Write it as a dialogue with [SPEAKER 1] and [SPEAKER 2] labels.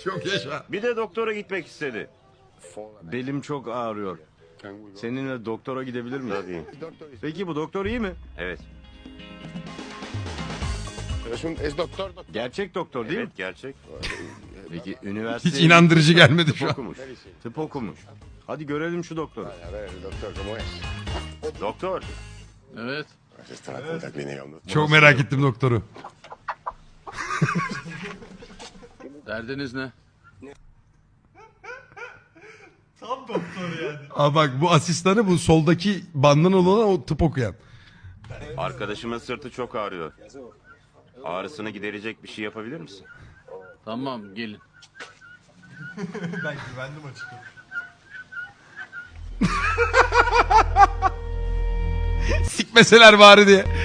[SPEAKER 1] Çok yaşa.
[SPEAKER 2] Bir de doktora gitmek istedi. Belim çok ağrıyor. Seninle doktora gidebilir miyiz? Tabii. Peki bu doktor iyi mi? Evet.
[SPEAKER 3] Es doctor.
[SPEAKER 2] Gerçek doktor değil mi?
[SPEAKER 3] Evet, gerçek.
[SPEAKER 2] Peki üniversite...
[SPEAKER 1] Hiç inandırıcı gelmedi
[SPEAKER 2] Tıp
[SPEAKER 1] şu an.
[SPEAKER 2] okumuş. Tıp okumuş. Hadi görelim şu doktoru.
[SPEAKER 3] A ver, doctor, ¿cómo es?
[SPEAKER 2] Doktor.
[SPEAKER 4] Evet.
[SPEAKER 3] Pues está la puta clínica.
[SPEAKER 1] Çok merak ettim doktoru.
[SPEAKER 4] Derdiniz ne?
[SPEAKER 5] Tam doktor yani.
[SPEAKER 1] Aa bak bu asistanı bu soldaki bandana olan o tıp okuyan.
[SPEAKER 2] Arkadaşımın sırtı çok ağrıyor. Ağrısını giderecek bir şey yapabilir misin?
[SPEAKER 4] Tamam gelin.
[SPEAKER 5] Ben güvendim açıkçası.
[SPEAKER 1] Sikmeseler bari diye.